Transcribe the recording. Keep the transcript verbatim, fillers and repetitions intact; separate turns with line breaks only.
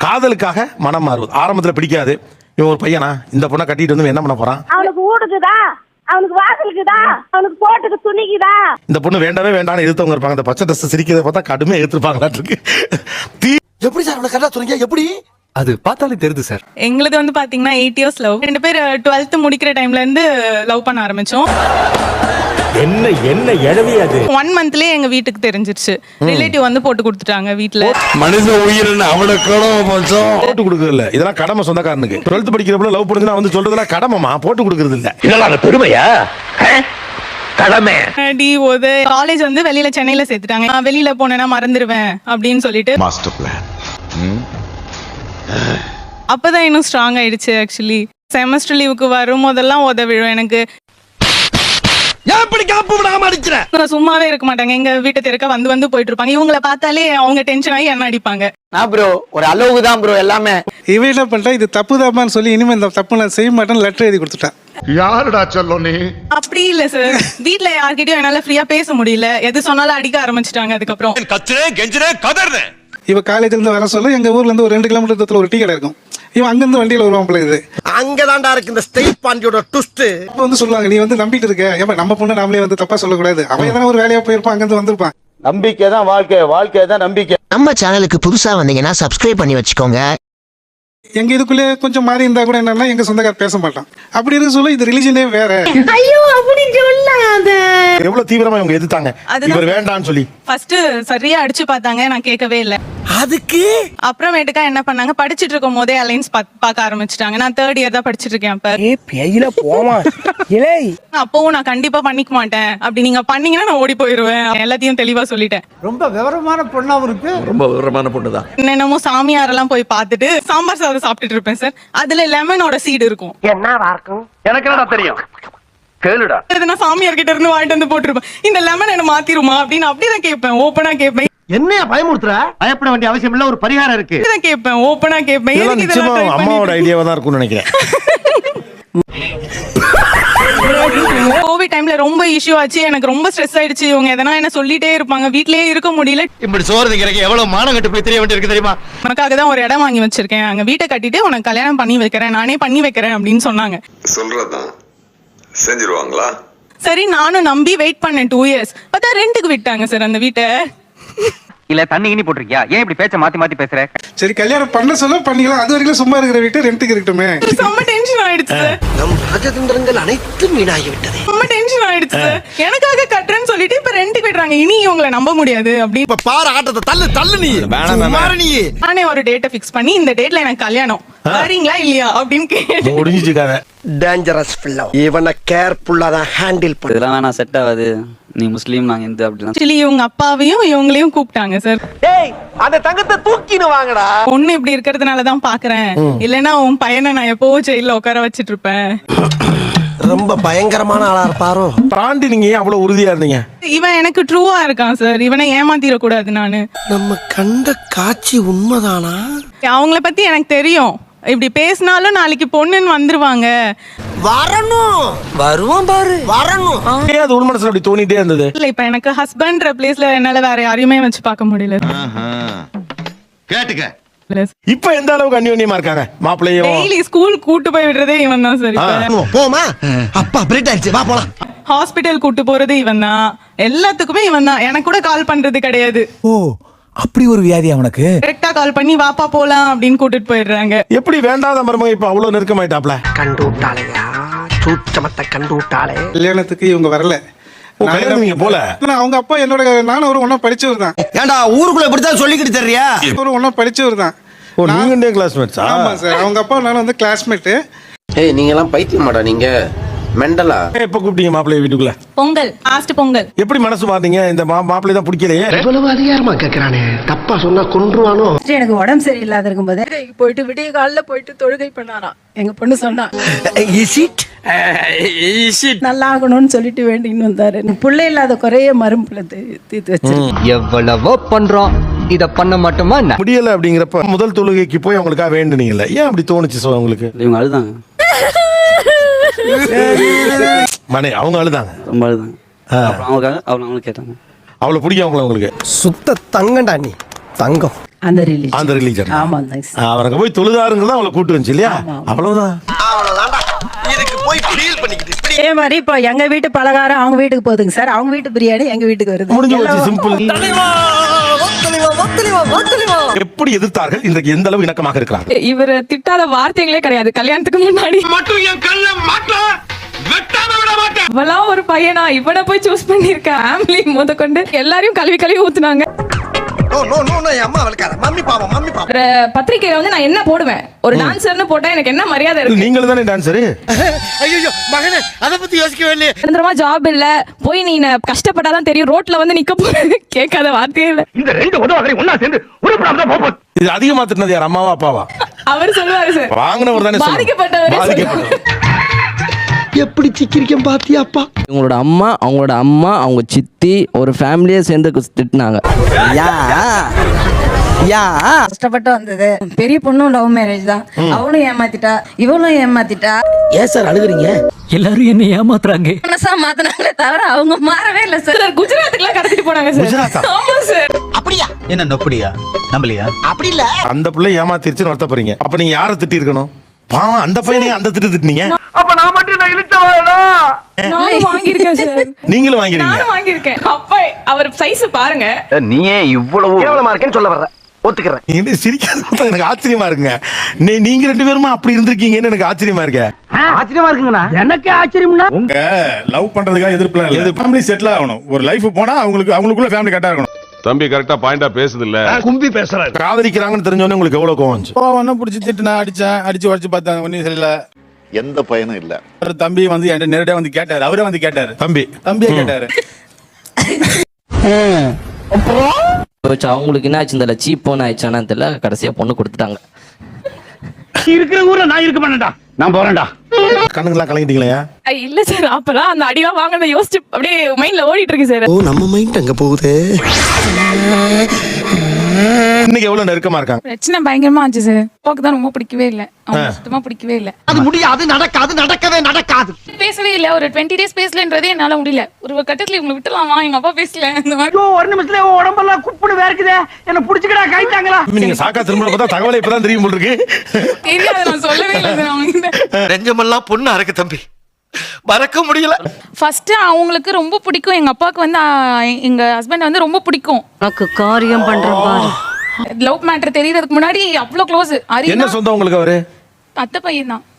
காதலுக்காக மனம் மாறுவது. ஆரம்பத்துல பிடிக்காது, இவன் ஒரு பையனா இந்த பொண்ணை கட்டிட்டு வந்து என்ன பண்ண போறான்,
அவனுக்கு ஊடுக்குதா, அவனுக்கு வாசலுக்குதா, அவனுக்கு போட்டுக்கு துணிக்குதா.
இந்த பொண்ணு வேண்டவே வேண்டாம்னு எதிர்த்தவங்க இருப்பாங்க. இந்த பச்சை ட்ரெஸ் சிரிக்கிறத பார்த்தா கடுமையா எதிர்த்துருப்பாங்களாட்டு தீ. எப்படி சார் அவனை கரெக்டா சொன்னீங்க? எப்படி?
அது பார்த்தாலே தெரியுது சார்.
எங்களுது வந்து பாத்தீங்கன்னா எயிட் இயர்ஸ் லவ். ரெண்டு பேர் டுவெல்த் முடிக்கிற டைம்ல இருந்து லவ் பண்ண ஆரம்பிச்சோம்.
என்ன என்ன எழவி அது?
ஒன் மந்த்லயே எங்க வீட்டுக்கு தெரிஞ்சிருச்சு. ரிலேட்டிவ் வந்து போட்டு கொடுத்துட்டாங்க வீட்டுல.
மனுஷ உயிரின்னு அவனை போட்டு கொடுக்கறது இதெல்லாம் கடமை சொந்தக்காரனுக்கு. டுவெல்த் படிக்கிறப்ப லவ் பண்ணுதுன்னா வந்து சொல்றதுலாம் கடமைமா, போட்டு கொடுக்கறது இல்ல.
இதெல்லாம் பெருமையா? கடமை.
காலேஜ் வந்து வெளியில சென்னையில சேர்த்துட்டாங்க. நான் வெளியில போனேன்னா மறந்துடுவேன் அப்படின்னு சொல்லிட்டு
மாஸ்டர் பிளான்.
அப்பதான் இன்னும் ஸ்ட்ராங் ஆயிடுச்சு. ஆக்சுவலி செமஸ்டர் லீவுக்கு வரும் போதெல்லாம் உத விழும் எனக்கு. சும்மாவே இருக்க மாட்டாங்க. எங்க வீட்டை திறக்க வந்து வந்து போயிட்டு இருப்பாங்க. இவங்கள பார்த்தாலே அவங்க டென்ஷன் ஆகி என்ன அடிப்பாங்க.
நான் ப்ரோ ஒரு அளவுக்கு தான் ப்ரோ எல்லாமே.
இவன் என்ன பண்றா, இது தப்பு தாப்பான்னு சொல்லி இனிமே இந்த தப்பு நான் செய்ய மாட்டேன்னு லெட்டர் எழுதி கொடுத்துட்டான்.
யாருடா சொல்லும் நீ?
அப்படி இல்ல சார், வீட்ல யார்கிட்டயும் என்னால ஃப்ரீயா பேச முடியல. எது சொன்னாலும் அடிக்க ஆரம்பிச்சிட்டாங்க. அதுக்கப்புறம்
கத்துறேன் கெஞ்சுறேன் கதறேன்.
இவ காலேஜ்ல இருந்து வர சொல்ல எங்க ஊர்ல இருந்து ஒரு ரெண்டு கிலோமீட்டர் தூரத்துல ஒரு டீ கடை இருக்கும். இவன் அங்கிருந்து வண்டியில வருவான் பிள்ளை. இது
அங்கதான்டா இருக்கு இந்த ஸ்டேட் பாண்டியோட ட்விஸ்ட்.
அப்ப வந்து சொல்லுவாங்க, நீ வந்து நம்பிட்டு இருக்க, ஏப்பா நம்ம பொண்ணு நாமளே வந்து தப்பா சொல்லக்கூடாது. அவன் எதனா ஒரு வேலையா போயிருப்பான், அங்கிருந்து வந்திருப்பான்.
நம்பிக்கை தான் வாழ்க்கை, வாழ்க்கை தான் நம்பிக்கை.
நம்ம சேனலுக்கு புதுசா வந்தீங்கன்னா சப்ஸ்கிரைப் பண்ணி வச்சுக்கோங்க.
எங்க இதுக்குள்ளே கொஞ்சம் மாறி இருந்தா கூட என்னன்னா எங்க சொந்தக்கார பேச மாட்டான். அப்படி இருக்க சொல்ல இது ரிலிஜனே வேற.
ஐயோ அப்படி சொல்லாத.
எவ்வளவு தீவிரமா இவங்க எதிர்த்தாங்க இவர் வேண்டாம்னு சொல்லி.
ஃபர்ஸ்ட் சரியா அடிச்சு பார்த்தாங்க, நான் கேட்கவே இல்ல.
அதுக்கு
அப்புறமேட்டுக்கா என்ன பண்ணாங்க, படிச்சிட்டு இருக்கும் போதே அலைன்ஸ் பார்க்க ஆரம்பிச்சிட்டாங்க. நான் தேர்ட் இயர் தான் படிச்சிட்டு இருக்கேன் அப்ப.
ஏ பேயில போமா இலே.
அப்பவும் நான் கண்டிப்பா பண்ணிக்க மாட்டேன், அப்படி நீங்க பண்ணீங்கன்னா நான் ஓடி போயிருவேன். எல்லாத்தையும் தெளிவா சொல்லிட்டேன்.
ரொம்ப விவரமான பொண்ணா இருக்கு.
ரொம்ப விவரமான பொண்ணுதான்.
என்னென்னமோ சாமியாரெல்லாம் போய் பார்த்துட்டு சாம்பார் சாதம் சாப்பிட்டுட்டு இருப்பேன் சார். அதுல லெமனோட சீடு இருக்கும்.
என்னவா இருக்கும்
எனக்கு என்னடா தெரியும், கேளுடா.
நான் சாமியார் கிட்ட இருந்து வாங்கிட்டு வந்து போட்டுருப்பேன். இந்த லெமன் என்ன மாத்திருமா அப்படின்னு அப்படிதான் கேட்பேன். ஓப்பனா கேட்பேன்.
என்னைய பயமுறுத்துற? பயப்பட வேண்டிய அவசியம் இல்ல, ஒரு பரிகாரம் இருக்கு.
இதான் கேட்பேன், ஓப்பனா கேட்பேன்.
இதெல்லாம் நிச்சயமா அம்மாவோட ஐடியாவா தான் இருக்கும்னு நினைக்கிறேன்.
கோவிட் டைம்ல ரொம்ப இஷ்யூ ஆச்சு. எனக்கு ரொம்ப ஸ்ட்ரெஸ் ஆயிடுச்சு. இவங்க எதனா என்ன சொல்லிட்டே இருப்பாங்க. வீட்லயே இருக்க முடியல.
இப்படி சோறு திங்கிறக்கு எவ்வளவு மானம் கட்டு போய் தெரிய வேண்டியிருக்கு தெரியுமா?
உனக்காக தான் ஒரு இடம் வாங்கி வச்சிருக்கேன், அங்க வீட்டை கட்டிட்டு உனக்கு கல்யாணம் பண்ணி வைக்கிறேன், நானே பண்ணி வைக்கிறேன் அப்படின்னு சொன்னாங்க.
சொல்றதான் செஞ்சிருவாங்களா?
சரி நானும் நம்பி வெயிட் பண்ணேன் டூ இயர்ஸ். பார்த்தா ரெண்டுக்கு விட்டாங்க சார் அந்த வீட்டை.
இல்ல தண்ணி கிணி போட்டிருக்கியா? ஏன் இப்படி பேச்ச மாத்தி மாத்தி பேசுற?
சரி கல்யாணம் பண்ண சொல்ல பண்ணிக்கலாம். அது வரைக்கும் சும்மா இருக்கிற வீட்டு ரெண்டுக்கு இருக்கட்டுமே.
செம்ம டென்ஷன் ஆயிடுச்சு சார்.
நம் ராஜதந்திரங்கள் அனைத்தும் வீணாகி விட்டது.
செம்ம டென்ஷன் ஆயிடுச்சு சார். எனக்காக கட்டுறேன்னு சொல்லிட்டு இப்ப ரெண்டுக்கு விடுறாங்க. இனி இவங்களை நம்ப முடியாது அப்படின்னு.
இப்ப பாரு ஆட்டத்தை, தள்ளு தள்ளு நீ. நீ
நானே ஒரு டேட்டை ஃபிக்ஸ் பண்ணி இந்த டேட்ல எனக்கு கல்யாணம், வரீங்களா இல்லையா அப்படின்னு கேட்டு
முடிஞ்சிச்சுக்காக.
Dangerous fellow. இவனை கேர்ஃபுல்லா தான் ஹேண்டில் பண்ணு.
இதெல்லாம் வேணா செட் ஆகாது, நீ முஸ்லீம் நாங்க இந்து அப்படிலாம்.
ஆக்சுவலி இவங்க அப்பாவையும் இவங்களையும் கூப்பிட்டாங்க சார்.
டேய் அந்த தங்கத்தை தூக்கினு வாங்கடா.
பொண்ணு இப்படி இருக்கிறதுனால தான் பாக்குறேன், இல்லைன்னா உன் பையனை நான் எப்பவோ ஜெயில உட்கார வச்சிட்டு இருப்பேன்.
ரொம்ப பயங்கரமான ஆளா இருப்பாரோ.
தாண்டி நீங்க ஏன் அவ்வளவு உறுதியா இருந்தீங்க?
இவன் எனக்கு ட்ரூவா இருக்கான் சார். இவனை ஏமாத்திர கூடாது. நானு
நம்ம கண்ட காட்சி உண்மைதானா?
அவங்கள பத்தி எனக்கு தெரியும். இப்படி பேசினாலும் நாளைக்கு பொண்ணுன்னு வந்துருவாங்க.
வரணும் வருவான் பாரு, வரணும்.
ஏன் அது உள் மனசுல அப்படி தோணிட்டே இருந்தது?
இல்ல இப்ப எனக்கு ஹஸ்பண்ட்ற பிளேஸ்ல என்னால வேற யாரையுமே வச்சு பார்க்க முடியல.
கேட்டுக்க.
இப்ப எந்த அளவுக்கு அந்யோன்யமா இருக்காங்க மாப்பிள்ளையும்?
டெய்லி ஸ்கூல் கூட்டு போய் விடுறதே இவன் தான் சார்.
போமா அப்பா பிரேக் ஆயிடுச்சு, வா போலாம்.
ஹாஸ்பிட்டல் கூட்டு போறது இவன் தான். எல்லாத்துக்குமே இவன் தான். எனக்கு கூட கால் பண்றது கிடையாது.
ஓ அப்படி ஒரு வியாதி அவனுக்கு?
கரெக்டா கால் பண்ணி வாப்பா போலாம் அப்படின்னு கூட்டிட்டு போயிடுறாங்க.
எப்படி வேண்டாத மருமக இப்ப அவ்வளவு நெருக்கமாயிட்டாப்ல?
கண்டு விட்டாளையா, சூட்சமத்தை கண்டு விட்டாளே.
கல்யாணத்துக்கு இவங்க வரல.
நீங்க போல
அவங்க அப்பா என்னோட, நானும் ஒரு ஒன்னா படிச்சவர் தான்.
ஏண்டா ஊருக்குள்ள இப்படித்தான் சொல்லிக்கிட்டு தெரியா?
ஒரு ஒன்னா படிச்சவர் தான்.
நீங்க கிளாஸ்மேட்ஸா?
ஆமா சார், அவங்க அப்பா நானும் வந்து கிளாஸ்மேட்.
ஏய் நீங்க எல்லாம் பைத்தியமாடா, நீங்க மெண்டலா?
எப்ப கூப்பிட்டீங்க மாப்பிள்ளை வீட்டுக்குள்ள?
பொங்கல், லாஸ்ட் பொங்கல்.
எப்படி மனசு மாத்தீங்க? இந்த மாப்பிள்ளை தான் பிடிக்கலையே.
இவ்வளவு அதிகாரமா கேக்குறானே, தப்பா சொன்னா கொன்றுவானோ.
எனக்கு உடம்பு சரியில்லாத இருக்கும் போது போயிட்டு விடிய காலில் போயிட்டு தொழுகை பண்ணாராம். எங்க பொண்ணு சொன்னா நல்லா ஆகணும்னு சொல்லிட்டு வேண்டின்னு வந்தாரு. பிள்ளை இல்லாத குறைய மரும்புல தீர்த்து வச்சு
எவ்வளவோ பண்றோம், இத பண்ண மாட்டோமா?
முடியல அப்படிங்கிறப்ப முதல் தொழுகைக்கு போய் அவங்களுக்காக வேண்டுனீங்கல்ல, ஏன் அப்படி தோணுச்சு? சோ உங்களுக்கு
இவங்க அழுதாங்க,
மனே அவங்க அழுதாங்க,
ரொம்ப அழுதாங்க. அப்புறம் அவங்களுக்காக அவங்க அவங்களுக்கு கேட்டாங்க.
அவ்வளவு பிடிக்கும் அவங்கள உங்களுக்கு?
சுத்த தங்கண்டா நீ, தங்கம்.
அந்த ரிலீஜன்
அந்த ரிலீஜன்
ஆமாங்க சார்.
அவருக்கு போய் தொழுதாருங்கிறதா அவளை கூட்டு வந்துச்சு இல்லையா? அவ்வளவுதான்.
அவ்வளவுதான்டா. இதுக்கு போய் ஃபீல் பண்ணிக்கிட்டு இப்படி
அதே மாதிரி இப்போ எங்க வீட்டு பலகாரம் அவங்க வீட்டுக்கு போகுதுங்க சார், அவங்க வீட்டு பிரியாணி எங்க வீட்டுக்கு வருது.
முடிஞ்சு போச்சு, சிம்பிள். எப்படி எதிர்த்தார்கள், இன்றைக்கு எந்த அளவு இணக்கமாக இருக்கிறாங்க?
இவர் திட்டாத வார்த்தைகளே கிடையாது கல்யாணத்துக்கு முன்னாடி.
மட்டும் என் கல்ல மாட்ட வெட்டாம விட மாட்டேன்.
இவெல்லாம் ஒரு பையனா, இவனை போய் சூஸ் பண்ணிருக்க. ஃபேமிலி முத கொண்டு எல்லாரையும் கழுவி கழுவி ஊத்துனாங்க.
நோ நோ நோ நோ அம்மா அவளுக்கார மம்மி பாவம் மம்மி பாவம்.
ஒரு பத்திரிக்கையில வந்து நான் என்ன போடுவேன், ஒரு டான்சர்னு போட்டா எனக்கு என்ன மரியாதை இருக்கு?
நீங்களும் தானே டான்சர்.
ஐயோ மகனே அத பத்தி யோசிக்கவே இல்லையே.
நிரந்தரமா ஜாப் இல்ல, போய் நீ கஷ்டப்பட்டாதான் தெரியும், ரோட்ல வந்து நிக்க போறது கேட்காத வார்த்தையே இல்ல.
இந்த ரெண்டு உதவாக்கரை ஒண்ணா சேர்ந்து உருப்படாம தான் போகும்.
இது அதிகமா திட்டினது யார், அம்மாவா அப்பாவா?
அவர் சொல்லுவாரு சார்,
வாங்கினவர் தானே சொல்லணும்.
பாதிக்கப்பட்டவரே
பாதிக்கப்பட்டவர்.
எப்படி சிக்கிரிக்கம் பாத்தியாப்பா?
இவங்களோட அம்மா, அவங்களோட அம்மா, அவங்க சித்தி, ஒரு ஃபேமிலியே சேர்ந்து திட்டினாங்க.
யா யா
கஷ்டப்பட்டு வந்தது. பெரிய பொண்ணும் லவ் மேரேஜ் தான், அவளும் ஏமாத்திட்டா இவளும் ஏமாத்திட்டா.
ஏன் சார் அழுகுறீங்க?
எல்லாரும் என்ன ஏமாத்துறாங்க.
மனசா மாத்தினாங்களே தவிர அவங்க மாறவே இல்லை சார்.
குஜராத்துக்குலாம் கடத்திட்டு போனாங்க சார்.
குஜராத்தா?
ஆமா சார்.
அப்படியா?
என்ன நொப்படியா நம்பலையா?
அப்படி இல்ல.
அந்த பிள்ளை ஏமாத்திருச்சுன்னு வருத்தப்படுறீங்க. அப்ப நீங்க யாரை திட்டி இருக்கணும்? பாவம் அந்த பையனே அந்த திட்டு திட்டினீங்க.
அப்ப நான் மட்டும் நான் இழுத்தவாடா.
நானும் வாங்கியிருக்கேன் சார்.
நீங்களும் வாங்கிறீங்க.
நானும் வாங்கியிருக்கேன். அப்ப அவர் சைஸ் பாருங்க.
நீ ஏன் இவ்வளவு
கேவலமா இருக்கேன்னு சொல்ல வர்ற. ஒத்துக்கிறேன்.
நீங்க சிரிக்காத எனக்கு ஆச்சரியமா இருக்குங்க. நீ நீங்க ரெண்டு பேருமா அப்படி இருந்திருக்கீங்கன்னு எனக்கு ஆச்சரியமா இருக்கு.
ஆச்சரியமா இருக்குங்கண்ணா. எனக்கு ஆச்சரியம்னா
உங்க லவ் பண்றதுக்காக எதிர்ப்புலாம் இல்ல. ஃபேமிலி செட்டில் ஆகணும். ஒரு லைஃப் போனா அவங்களுக்கு அவங்களுக்குள்ள ஃபேமிலி கரெக்டா இருக்கணும்.
தம்பி கரெக்டா பாயிண்டா பேசுது இல்ல,
கும்பி பேசுறாரு.
காதலிக்கிறாங்கன்னு தெரிஞ்சோடனே உங்களுக்கு எவ்வளவு கோவம் வந்துச்சு?
ஒன்னும் பிடிச்சி திட்டு நான் அடிச்சேன், அடிச்சு உடச்சு பார்த்தேன், ஒன்னும் சரியில்ல.
எந்த பையனும் இல்ல.
ஒரு தம்பி வந்து என்கிட்ட நேரடியா வந்து கேட்டாரு, அவரே வந்து கேட்டாரு,
தம்பி
தம்பியே கேட்டாரு.
அவங்களுக்கு என்ன ஆச்சு தெரியல, சீப் போன ஆயிடுச்சானு தெரியல, கடைசியா பொண்ணு கொடுத்துட்டாங்க.
இருக்கிற ஊர்ல நான் இருக்க மாட்டேன்டா, நான் போறேன்டா.
கண்ணுங்கெல்லாம் கலங்கிட்டீங்களா?
இல்ல சார், அப்பதான் அந்த அடிலாம் வாங்கினதை யோசிச்சு அப்படியே மைண்ட்ல ஓடிட்டு இருக்கு சார்.
ஓ நம்ம மைண்ட் அங்க போகுது.
இன்னைக்கு எவ்வளவு நெருக்கமா இருக்காங்க?
பிரச்சனை பயங்கரமா ஆச்சு சார். போக்கு தான் ரொம்ப பிடிக்கவே இல்ல, அவங்க சுத்தமா பிடிக்கவே இல்ல.
அது முடியாது, நடக்காது, நடக்கவே நடக்காது.
பேசவே இல்ல, ஒரு டுவெண்ட்டி டேஸ் பேசலன்றதே என்னால முடியல. ஒரு கட்டத்துல இவங்களை விட்டுலாமா, எங்க அப்பா பேசல இந்த மாதிரி.
ஒரு நிமிஷத்துல உடம்பெல்லாம் குப்புடு வேர்க்குதே, என்ன புடிச்சுக்கடா கைத்தாங்களா?
நீங்க சாக்கா திரும்ப பார்த்தா தகவலை இப்பதான் தெரியும் போல இருக்கு.
தெரியாது, நான் சொல்லவே இல்லை சார் அவங்க.
நெஞ்சமெல்லாம் பொண்ணு அறக்கு தம்பி, மறக்க முடியல.
ஃபர்ஸ்ட் அவங்களுக்கு ரொம்ப பிடிக்கும், எங்க அப்பாவுக்கு வந்து எங்க ஹஸ்பண்ட் வந்து ரொம்ப பிடிக்கும்.
உனக்கு காரியம் பண்ற பாரு.
லவ் மேட்டர் தெரியறதுக்கு முன்னாடி அவ்வளவு க்ளோஸ்.
என்ன சொந்தம் உங்களுக்கு அவரு?
அத்தை பையன் தான்.